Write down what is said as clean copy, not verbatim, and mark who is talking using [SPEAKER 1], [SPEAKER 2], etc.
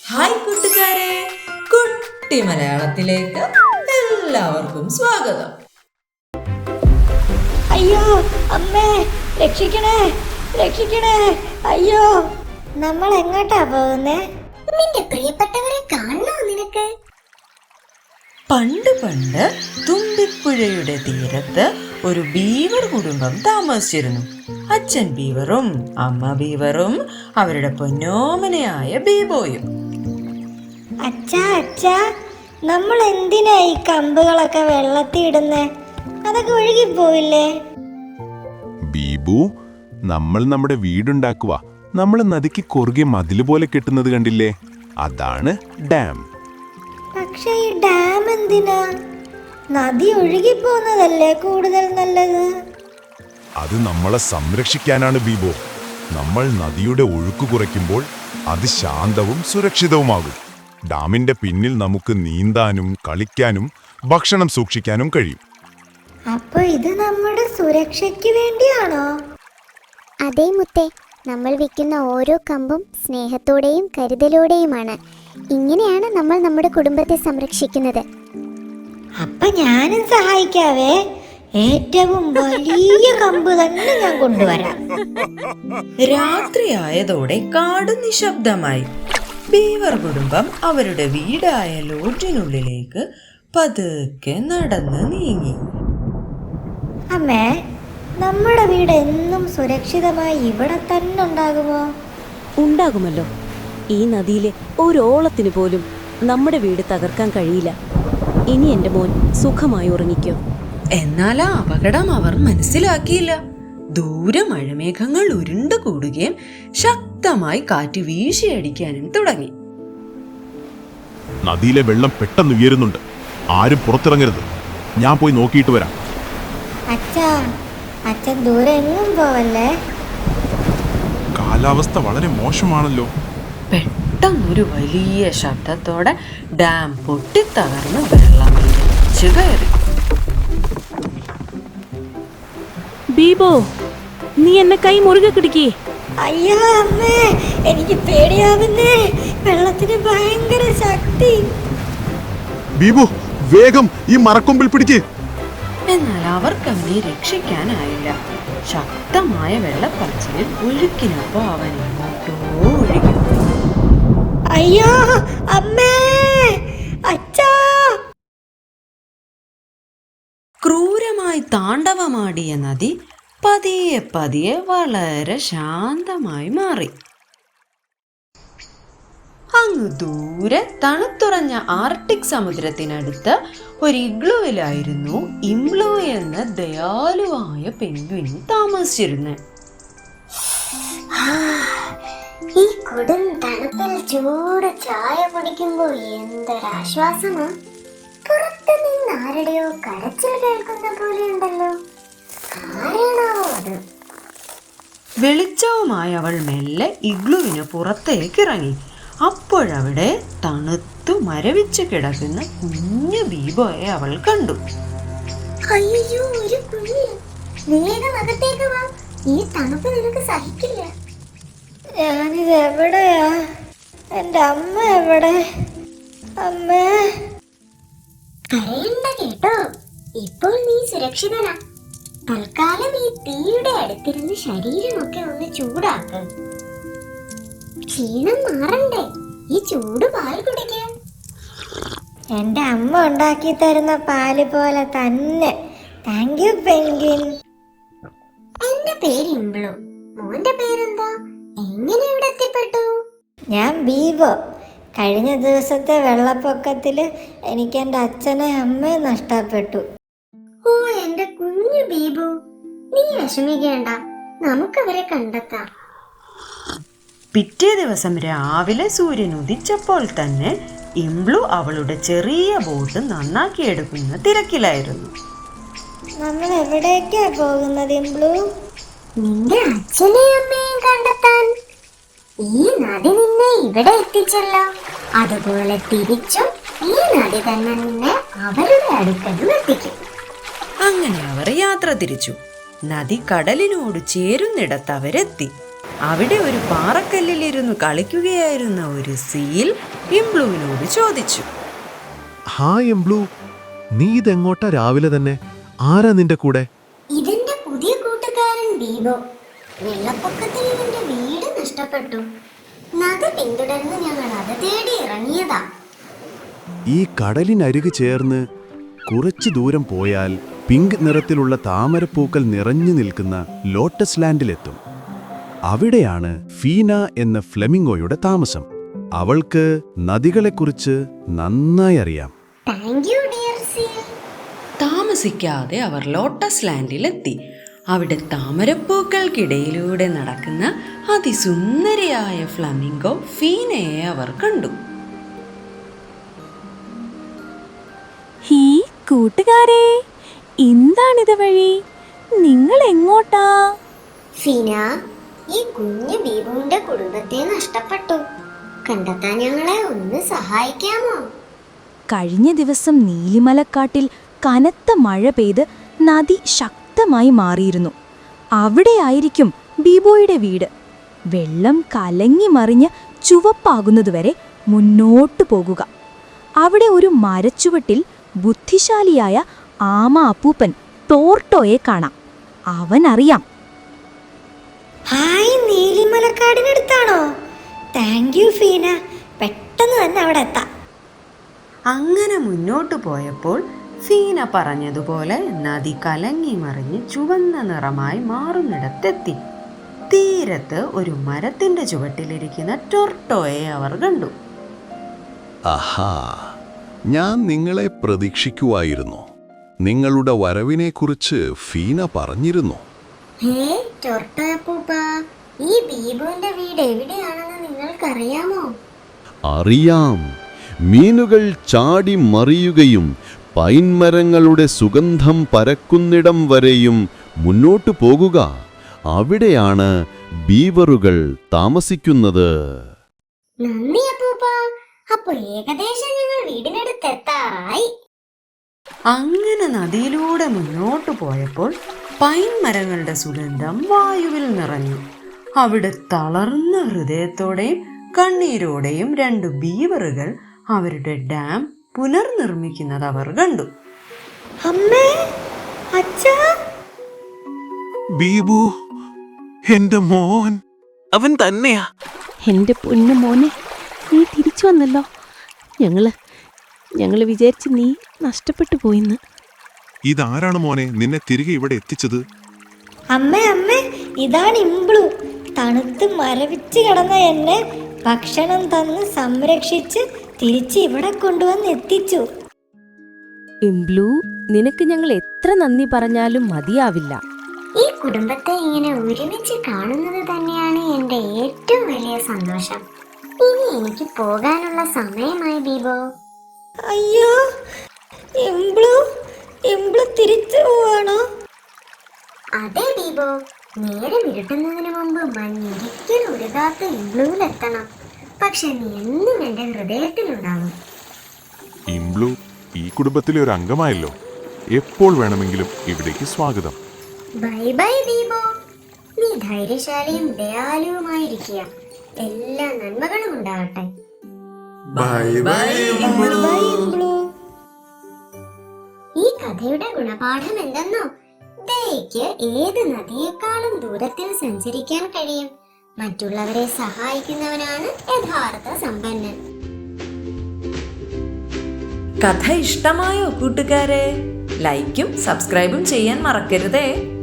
[SPEAKER 1] Hi കൂട്ടുകാരെ, കുട്ടി മലയാളത്തിലേക്ക് എല്ലാവർക്കും സ്വാഗതം.
[SPEAKER 2] അയ്യോ അമ്മേ, രക്ഷിക്കണേ രക്ഷിക്കണേ, അയ്യോ. നമ്മൾ എങ്ങോട്ടാ പോകുന്നേ?
[SPEAKER 3] നിന്റെ പ്രിയപ്പെട്ടവരെ കാണണോ നിനക്ക്?
[SPEAKER 1] പണ്ട് പണ്ട് തുമ്പിപ്പുഴയുടെ തീരത്ത് ഒരു ബീവർ കുടുംബം താമസിച്ചിരുന്നു. അച്ഛൻ ബീവറും അമ്മ ബീവറും അവരുടെ പൊന്നോമനയായ ബീബോയും.
[SPEAKER 2] അച്ഛാ അച്ഛാ, നമ്മൾ എന്തിനാ ഈ കമ്പുകളൊക്കെ വെള്ളത്തിൽ ഇടുന്നേ? അതൊക്കെ ഒഴുകിപ്പോവില്ലേ?
[SPEAKER 4] ബീബു, നമ്മൾ നമ്മുടെ വീടുണ്ടാക്കുക. നമ്മൾ നദിക്ക് കുറുകെ മതില് പോലെ കെട്ടുന്നത് കണ്ടില്ലേ? അതാണ് ഡാം.
[SPEAKER 2] പക്ഷെ ഈ ഡാം എന്തിനാ? നദി ഒഴുകിപ്പോകുന്നതല്ലേ കൂടുതൽ നല്ലത്.
[SPEAKER 4] അത് നമ്മളെ സംരക്ഷിക്കാനാണ് ബീബോ. നമ്മൾ നദിയുടെ ഒഴുക്ക് കുറയ്ക്കുമ്പോൾ അത് ശാന്തവും സുരക്ഷിതവുമാകും. ഡാമിന്റെ പിന്നിൽ നമുക്ക് നീന്താനും കളിക്കാനും ഭക്ഷണം സൂക്ഷിക്കാനും കഴിയും.
[SPEAKER 2] അപ്പൊ ഇത് നമ്മുടെ സുരക്ഷയ്ക്ക് വേണ്ടിയാണോ?
[SPEAKER 3] അതേ മുത്തേ, നമ്മൾ വിൽക്കുന്ന ഓരോ കമ്പും സ്നേഹത്തോടെയും കരുതലോടെയുമാണ്. ഇങ്ങനെയാണ് നമ്മൾ നമ്മുടെ കുടുംബത്തെ സംരക്ഷിക്കുന്നത്.
[SPEAKER 2] അപ്പൊ ഞാനും സഹായിക്കാവേ. ഏറ്റവും വലിയ കമ്പ് തന്നെ ഞാൻ കൊണ്ടുവരാം.
[SPEAKER 1] രാത്രിയായതോടെ കാട് നിശബ്ദമായി. ബീവർ കുടുംബം അവരുടെ വീടായ ലോഡ്ജിനുള്ളിലേക്ക് പതുക്കെ നടന്ന് നീങ്ങി.
[SPEAKER 2] അമ്മേ, നമ്മുടെ വീട് എന്നും സുരക്ഷിതമായി ഇവിടെ തന്നെ ഉണ്ടാകുമോ?
[SPEAKER 5] ഉണ്ടാകുമല്ലോ. ഈ നദിയിലെ ഒരോളത്തിന് പോലും നമ്മുടെ വീട് തകർക്കാൻ കഴിയില്ല. ഇനി എൻ്റെ മോൻ സുഖമായി ഉറങ്ങിക്കോ.
[SPEAKER 1] എന്നാൽ ആ അപകടം അവർ മനസ്സിലാക്കിയില്ല. ദൂരെ മഴമേഘങ്ങൾ ഉരുണ്ടു കൂടുകയും ശക്തമായി കാറ്റ് വീശിയടിക്കാനും തുടങ്ങി.
[SPEAKER 4] നദിയിലെ വെള്ളം പെട്ടെന്ന് ഉയരുന്നുണ്ട്. ആരും പുറത്തിറങ്ങരുത്. ഞാൻ പോയി നോക്കിയിട്ട് വരാം.
[SPEAKER 2] അച്ഛാ, അച്ഛൻ ദൂരെ എങ്ങും പോവല്ലേ.
[SPEAKER 4] കാലാവസ്ഥ വളരെ മോശമാണല്ലോ.
[SPEAKER 1] പെട്ടെന്നൊരു വലിയ ശബ്ദത്തോടെ ഡാം പൊട്ടിത്തകർന്ന് വെള്ളം ഇരച്ചു കയറി.
[SPEAKER 5] ബീബോ, നീ എന്നെ കൈ മുറുകെ പിടിക്കേ.
[SPEAKER 2] അയ്യോ അമ്മേ, എനിക്ക് പേടിയാവുന്നേ. വെള്ളത്തിന് ഭയങ്കര ശക്തി.
[SPEAKER 4] ബീബു, വേഗം ഈ മരക്കൊമ്പിൽ പിടിക്കേ.
[SPEAKER 1] എന്നാൽ അവർക്ക് അവനെ രക്ഷിക്കാനായില്ല. ശക്തമായ വെള്ളപ്പാച്ചിലിൽ ഒഴുക്കിനൊപ്പം അവൻ എങ്ങോട്ടോ ഒഴുകി.
[SPEAKER 2] അയ്യോ അമ്മേ, അച്ഛാ.
[SPEAKER 1] ക്രൂരമായി താണ്ഡവമാടിയ നദി പതിയെ പതിയെ വളരെ ശാന്തമായി മാറി. അങ്ങ് ദൂരെ തണുത്തുറഞ്ഞ ആർട്ടിക് സമുദ്രത്തിനടുത്ത് ഒരു ഇഗ്ലുവിലായിരുന്നു ഇംബ്ലു എന്ന ദയാലുവായ പെൻഗ്വിൻ താമസിച്ചിരുന്നത്.
[SPEAKER 3] ഈ കൊടും തണുപ്പിൽ ചൂട് ചായ കുടിക്കുമ്പോൾ എന്തൊരാശ്വാസമാ. പുറത്തു നിന്ന് ആരുടെയോ കരച്ചിൽ കേൾക്കുന്ന പോലെയുണ്ടല്ലോ. ആരാണോ അത്?
[SPEAKER 1] വെളിച്ചവുമായി അവൾ മെല്ലെ ഇഗ്ലുവിന് പുറത്തേക്ക് ഇറങ്ങി. അപ്പോഴവിടെ തണുത്തു മരവിച്ച് കിടക്കുന്ന കുഞ്ഞു ബീബോയെ അവൾ കണ്ടു.
[SPEAKER 3] അയ്യോ, ഒരു കുഞ്ഞ്. വേഗം അകത്തേക്ക് വാ. ഈ തണുപ്പ് നിനക്ക് സഹിക്കില്ല.
[SPEAKER 2] ഞാനിത് എവിടെയാ? എൻ്റെ അമ്മ എവിടെ? അമ്മേ,
[SPEAKER 3] കരയണ്ട കേട്ടോ. ഇപ്പോൾ നീ സുരക്ഷിതനാ. തൽക്കാലം ഈ തീയുടെ അടുത്തിരുന്ന് ശരീരമൊക്കെ ഒന്ന് ചൂടാക്ക്. ക്ഷീണം മാറണ്ടേ? ഈ ചൂട് പാൽ കുടിക്കാം.
[SPEAKER 2] എൻ്റെ അമ്മ ഉണ്ടാക്കി തരുന്ന പാല് പോലെ തന്നെ. Thank you penguin.
[SPEAKER 3] എന്റെ പേര് ഇംബ്ലു. മോന്റെ പേരെന്താ? എങ്ങനെ ഇവിടെ എത്തിപ്പെട്ടു?
[SPEAKER 2] ഞാൻ ബീബോ. കഴിഞ്ഞ ദിവസത്തെ വെള്ളപ്പൊക്കത്തിൽ എനിക്ക് എൻ്റെ അച്ഛനെ അമ്മയെ നഷ്ടപ്പെട്ടു.
[SPEAKER 3] ഓ, എന്റെ കുഞ്ഞു ബീബു, നീ വിഷമിക്കേണ്ട. നമുക്കവരെ കണ്ടെത്താം.
[SPEAKER 1] പിറ്റേ ദിവസം രാവിലെ സൂര്യൻ ഉദിച്ചപ്പോൾ തന്നെ ഇംബ്ലു അവളുടെ ചെറിയ ബോട്ട് നന്നാക്കിയെടുക്കുന്ന തിരക്കിലായിരുന്നു.
[SPEAKER 2] നമ്മൾ എവിടേക്കാ പോകുന്നത് ഇംബ്ലു?
[SPEAKER 3] നിന്റെ അച്ഛനെയും അമ്മയെയും കണ്ടെത്താൻ. ഈ നദി നിന്നെ ഇവിടെ എത്തിച്ചല്ലോ. അതുപോലെ തിരിച്ചും ഈ നദി തന്നെ നിന്നെ അവരുടെ അടുക്കലും എത്തിക്കും.
[SPEAKER 1] അങ്ങനെ അവർ യാത്ര തിരിച്ചു. നദി കടലിനോട് ചേരുന്നിടത്ത് അവരെത്തി. അവിടെ ഒരു പാറക്കല്ലിലിരുന്ന് കളിക്കുകയായിരുന്ന ഒരു സീൽ ഇംബ്ലുവിനോട് ചോദിച്ചു.
[SPEAKER 6] ഹായ് എംബ്ലൂ, നീ ഇതെങ്ങോട്ടാ രാവിലെ തന്നെ? ആരാ നിന്റെ കൂടെ?
[SPEAKER 3] ഇതെന്റെ പുതിയ കൂട്ടുകാരൻ ബീബോ. വെള്ളപ്പൊക്കത്തിൽ ഇവന്റെ വീട് നഷ്ടപ്പെട്ടു. നദി പിന്തുടർന്ന് ഞങ്ങൾ അത് തേടി ഇറങ്ങിയതാ.
[SPEAKER 6] ഈ കടലിനരികു ചേർന്ന് കുറച്ചു ദൂരം പോയാൽ പിങ്ക് നിറത്തിലുള്ള താമരപ്പൂക്കൾ നിറഞ്ഞു നിൽക്കുന്ന ലോട്ടസ് ലാൻഡിലെത്തും. അവിടെയാണ് ഫീന എന്ന ഫ്ലെമിംഗോയുടെ താമസം. അവൾക്ക് നദികളെക്കുറിച്ച് നന്നായി അറിയാം.
[SPEAKER 3] Thank you dear seal.
[SPEAKER 1] താമസിക്കാതെ അവർ ലോട്ടസ് ലാൻഡിലെത്തി. അവിടെ താമരപ്പൂക്കൾക്കിടയിലൂടെ നടക്കുന്ന അതിസുന്ദരിയായ ഫ്ലമിംഗോ ഫീനയെ അവർ കണ്ടു.
[SPEAKER 5] ഹീ കൂട്ടുകാരെ, എന്താണിത് വഴി? നിങ്ങൾ എങ്ങോട്ടാ?
[SPEAKER 3] ഫീന, ഈ കുഞ്ഞു ബീബുവിന്റെ കുടുംബത്തെ നഷ്ടപ്പെട്ടു. കണ്ടെത്താൻ ഞങ്ങളെ ഒന്ന് സഹായിക്കാമോ?
[SPEAKER 5] കഴിഞ്ഞ ദിവസം നീലിമലക്കാട്ടിൽ കനത്ത മഴ പെയ്ത് നദി ശക്തമായി മാറിയിരുന്നു. അവിടെയായിരിക്കും ബീബോയുടെ വീട്. വെള്ളം കലങ്ങി മറിഞ്ഞ് ചുവപ്പാകുന്നതുവരെ മുന്നോട്ടു പോകുക. അവിടെ ഒരു മരച്ചുവട്ടിൽ ബുദ്ധിശാലിയായ ആമ അപ്പൂപ്പൻ ടോർട്ടോയെ കാണാം. അവനറിയാം.
[SPEAKER 2] ഹായ്, നീലിമലക്കാടിനടുത്താണോ? താങ്ക് യു ഫീന, പെട്ടെന്ന് തന്നെ അവിടെ എത്താം.
[SPEAKER 1] അങ്ങനെ മുന്നോട്ടു പോയപ്പോൾ ഫീന പറഞ്ഞതുപോലെ നദി കലങ്ങി മറിഞ്ഞ് ചുവന്ന നിറമായി മാറുന്നിടത്തെത്തി. തീരത്ത് ഒരു മരത്തിന്റെ ചുവട്ടിലിരിക്കുന്ന ടോർട്ടോയെ അവർ കണ്ടു.
[SPEAKER 7] ആഹാ, ഞാൻ നിങ്ങളെ പ്രതീക്ഷിക്കുവായിരുന്നു. നിങ്ങളുടെ വരവിനെക്കുറിച്ച് ഫീന പറഞ്ഞിരുന്നു.
[SPEAKER 3] ഹേ ടോർട്ടോയപ്പൂപ്പ, ഈ ബീബുവിന്റെ വീട് എവിടെയാണെന്ന് നിങ്ങൾക്കറിയാമോ?
[SPEAKER 7] അറിയാം. മീനുകൾ ചാടി മറിയുകയും പൈൻമരങ്ങളുടെ സുഗന്ധം പരക്കുന്നിടം വരെയും മുന്നോട്ടു പോകുക. അവിടെയാണ് ബീവറുകൾ താമസിക്കുന്നത്.
[SPEAKER 3] നന്ദി അപ്പൂപ്പ. അപ്പൊ ഏകദേശം ഞങ്ങൾ വീടിനടുത്ത് എത്താറായി.
[SPEAKER 1] അങ്ങനെ നദിയിലൂടെ മുന്നോട്ടു പോയപ്പോൾ പൈൻ മരങ്ങളുടെ സുഗന്ധം വായുവിൽ നിറഞ്ഞു. അവിടെ തളർന്ന ഹൃദയത്തോടെയും കണ്ണീരോടെയും 2 ബീവറുകൾ അവരുടെ ഡാം പുനർനിർമ്മിക്കുന്നത് അവർ കണ്ടു.
[SPEAKER 2] അമ്മേ, അച്ഛാ.
[SPEAKER 6] ബീബു, എന്റെ മോൻ. അവൻ തന്നെയാ.
[SPEAKER 5] എൻ്റെ പൊന്നു മോനെ, നീ തിരിച്ചു വന്നല്ലോ. ഞങ്ങള് വിചാരിച്ച് നീ നഷ്ടപ്പെട്ടു പോയിന്ന്.
[SPEAKER 4] ഇതാരാണ് മോനെ നിന്നെ തിരികെ ഇവിടെ എത്തിച്ചത്?
[SPEAKER 2] അമ്മേ, ഇതാണ് ഇംബ്ലു. തണുത്ത് മരവിച്ച് കിടന്ന എന്നെ ഭക്ഷണം തന്ന് സംരക്ഷിച്ച് തിരിച്ച് ഇവിടെ കൊണ്ടുവന്ന് എത്തിച്ചു.
[SPEAKER 5] ഇംബ്ലു, നിനക്ക് ഞങ്ങൾ എത്ര നന്ദി പറഞ്ഞാലും മതിയാവില്ല.
[SPEAKER 3] ഈ കുടുംബത്തെ ഇങ്ങനെ ഒരുമിച്ച് കാണുന്നത് തന്നെയാണ് എന്റെ ഏറ്റവും വലിയ സന്തോഷം. ഇനി എനിക്ക് പോകാനുള്ള സമയമായി ബീബോ.
[SPEAKER 2] അയ്യോ, ഇംബ്ലു തിരിച്ചു പോവാണോ?
[SPEAKER 3] അതെ ബീബോ, നേരെ ഇരുട്ടുന്നതിന് മുമ്പ് മഞ്ഞൊരിക്കൽ ഉരുകാത്ത ഇംബ്ലുവിലെത്തണം. പക്ഷെ നീ എന്നും എന്റെ ഹൃദയത്തിലുണ്ടാകും.
[SPEAKER 4] ഇംബ്ലു ഈ കുടുംബത്തിലെ ഒരു അംഗമായല്ലോ. എപ്പോൾ വേണമെങ്കിലും ഇവിടേക്ക് സ്വാഗതം.
[SPEAKER 3] Bye bye Beebo. നീ ധൈര്യശാലിയും ദയാലുവുമായിരിക്കുക. എല്ലാ നന്മകളും ഉണ്ടാകട്ടെ.
[SPEAKER 2] Bye Imblu.
[SPEAKER 3] ഈ കഥയുടെ ഗുണപാഠം എന്തെന്നോ? ദയയ്ക്ക് ഏത് നദിയേക്കാളും ദൂരത്തിൽ സഞ്ചരിക്കാൻ കഴിയും. മറ്റുള്ളവരെ സഹായിക്കുന്നവനാണ് യഥാർത്ഥ സമ്പന്നൻ.
[SPEAKER 1] കഥ ഇഷ്ടമായോ കൂട്ടുകാരെ? ലൈക്കും സബ്സ്ക്രൈബും ചെയ്യാൻ മറക്കരുതേ.